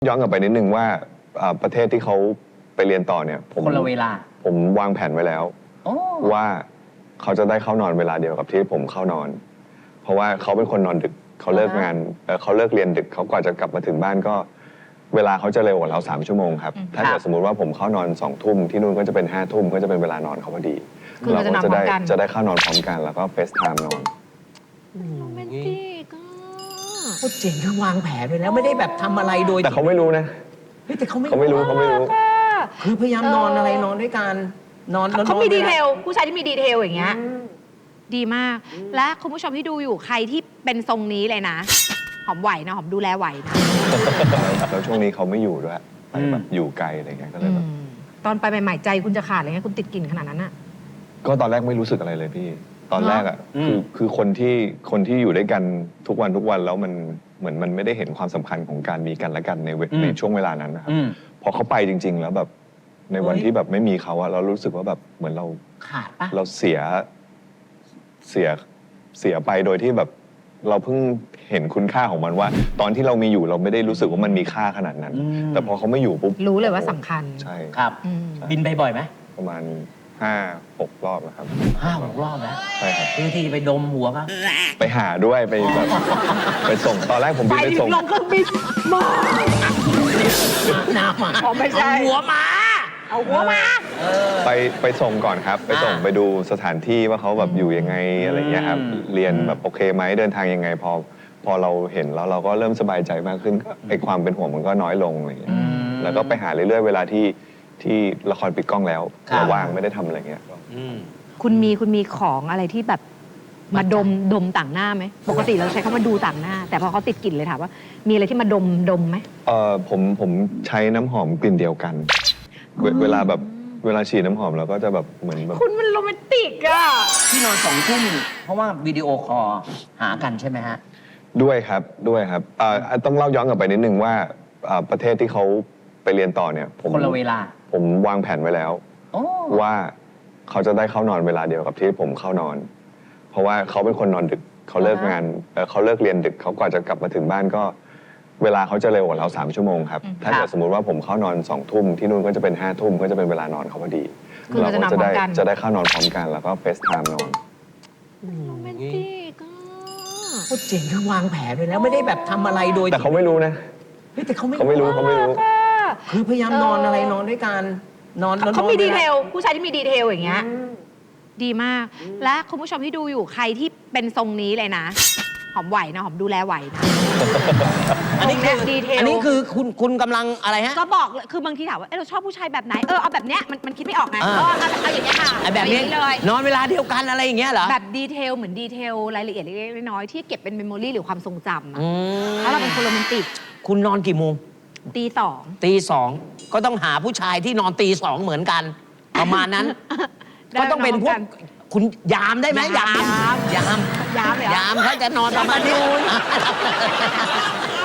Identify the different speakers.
Speaker 1: ย้อนกลับไปนิดนึงว่าประเทศที่เขาไปเรียนต่อเนี่ย
Speaker 2: คนละเวลา
Speaker 1: ผมวางแผนไว้แล้วว่าเขาจะได้เข้านอนเวลาเดียวกับที่ผมเข้านอน เพราะว่าเขาเป็นคนนอนดึกเขาเลิกงานเขาเลิกเรียนดึกเขากว่าจะกลับมาถึงบ้านก็เวลาเขาจะเร็วกว่าเรา3 ชั่วโมงครับถ้าเกิดสมมติว่าผมเข้านอน2 ทุ่มที่นู่นก็จะเป็น5 ทุ่มก็จะเป็นเวลานอนเขาพอดีเราก็จะได้เข้านอนพร้อมกันแล้วก็เฟซไทม์นอน
Speaker 3: โรแมนติก
Speaker 2: โคตรเจ๋งคือวางแผนไว้แล้วไม่ได้แบบทำอะไรโดย
Speaker 1: แต่เขาไม่รู้นะ
Speaker 2: แต่เขา
Speaker 1: ไม่รู้
Speaker 2: คือพยายามนอนอะไรนอนด้วยกันนอน
Speaker 3: เขามีดีเทลผู้ชายที่มีดีเทลอย่างเงี้ยดีมากและคุณผู้ชมที่ดูอยู่ใครที่เป็นทรงนี้เลยนะหอมไหวนะหอมดูแลไหวนะ
Speaker 1: แล้วช่วงนี้เขาไม่อยู่ด้วยไปแบบอยู่ไกลอะไรเงี้ยก็เลยแบบ
Speaker 3: ตอนไปใหม่ๆใจคุณจะขาดอะไรเงี้ยคุณติดกลิ่นขนาดนั้นอะ
Speaker 1: ก็ตอนแรกไม่รู้สึกอะไรเลยพี่ตอนแรกอ่ะคือคนที่อยู่ด้วยกันทุกวันแล้วมันเหมือนมันไม่ได้เห็นความสำคัญของการมีกันและกันในช่วงเวลานั้นนะครับพอเขาไปจริงๆแล้วแบบในวันที่แบบไม่มีเขาอะเรารู้สึกว่าแบบเหมือนเรา
Speaker 2: ขาดปะ
Speaker 1: เราเสียไปโดยที่แบบเราเพิ่งเห็นคุณค่าของมันว่า ตอนที่เรามีอยู่เราไม่ได้รู้สึกว่ามันมีค่าขนาดนั้นแต่พอเขาไม่อยู่ปุ๊บ
Speaker 3: รู้เลยว่าสำคัญ
Speaker 1: ใช่
Speaker 2: ครับบินไปบ่อยไหม
Speaker 1: ประมาณ5-6 รอบแล้วครับ
Speaker 2: 5-6 รอบแล้ว
Speaker 1: ใช่ครับ
Speaker 2: เพื่อที่จะไปดมหัวเขา
Speaker 1: ไปหาด้วยไปแบบไปส่งตอนแรกผมบินไปส่ง
Speaker 3: ลงเครื่องบินมา
Speaker 2: น้ำมา
Speaker 3: ไม่ใช่
Speaker 2: หัวมา
Speaker 3: เอาหัวมา
Speaker 1: ไปส่งก่อนครับไปส่งไปดูสถานที่ว่าเขาแบบอยู่ยังไงอะไรเงี้ยครับเรียนแบบโอเคไหมเดินทางยังไงพอเราเห็นแล้วเราก็เริ่มสบายใจมากขึ้นไอ้ความเป็นห่วงมันก็น้อยลงอะไรเงี้ยแล้วก็ไปหาเรื่อยๆเวลาที่ละครปิดกล้องแล้วเราว่างไม่ได้ทำอะไรเงี้ย
Speaker 3: คุณมีของอะไรที่แบบมาดมต่างหน้าไหมปกติเราใช้คำว่าดูต่างหน้าแต่พอเขาติดกลิ่นเลยถามว่ามีอะไรที่มาดมไหม
Speaker 1: ผมใช้น้ำหอมกลิ่นเดียวกันเวลาฉีดน้ำหอมเราก็จะแบบเหมือนแบบ
Speaker 3: คุณมันโรแมนติกอะ
Speaker 2: ที่นอน2 ทุ่มเพราะว่าวิดีโอคอลหากันใช่ไหมฮะ
Speaker 1: ด้วยครับต้องเล่าย้อนกลับไปนิดนึงว่าประเทศที่เขาไปเรียนต่อเนี่ย
Speaker 2: คนละเวลา
Speaker 1: ผมวางแผนไว้แล้วว่าเขาจะได้เข้านอนเวลาเดียวกับที่ผมเข้านอน เพราะว่าเขาเป็นคนนอนดึกเขาเลิกงานเขาเลิกเรียนดึกเขากว่าจะกลับมาถึงบ้านก็เวลาเขาจะเร็วกว่าเรา3 ชั่วโมงครับถ้าเกิดสมมติว่าผมเข้านอน2 ทุ่มที่นู่นก็จะเป็น5 ทุ่มก็จะเป็นเวลานอนเขาพอดีเราก็จะได้เข้านอนพร้อมกันแล้วก็เฟซไทม์นอน
Speaker 3: โรแมนติก
Speaker 2: โคตรเจ๋งคือวางแผนไว้แล้วไม่ได้แบบทำอะไรโดย
Speaker 1: แต่เขาไม่รู้นะ
Speaker 2: แต่เขา
Speaker 1: ไม่รู้
Speaker 2: คือพยายามนอนอะไรนอนด้วยกันนอน
Speaker 3: เขามีดีเทลผู้ชายที่มีดีเทลอย่างเงี้ยดีมากและคุณผู้ชมที่ดูอยู่ใครที่เป็นทรงนี้เลยนะหอมไหวนะหอมดูแลไหวนะ
Speaker 2: อันนี้คือดีเทลอันนี้คือคุณกำลังอะไรฮะ
Speaker 3: ก็บอกคือบางทีถามว่าเราชอบผู้ชายแบบไหนเอาแบบเนี้ยมันคิดไม่ออกไงเอาอย่างเงี้ยค่ะ
Speaker 2: แบบนี้เลยนอนเวลาเดียวกันอะไรอย่างเงี้ยเหรอ
Speaker 3: แบบดีเทลเหมือนดีเทลรายละเอียดเล็กๆน้อยๆที่เก็บเป็นเมมโมรี่หรือความทรงจำเพราะเราเป็นคนโรแมนติก
Speaker 2: คุณนอนกี่โมง
Speaker 3: ตี
Speaker 2: 2ก็ต้องหาผู้ชายที่นอนตี 2เหมือนกันประมาณนั้นก็ต้องเป็นพวกคุณยามได้ไหมยามเขาจะนอนประมาณนี้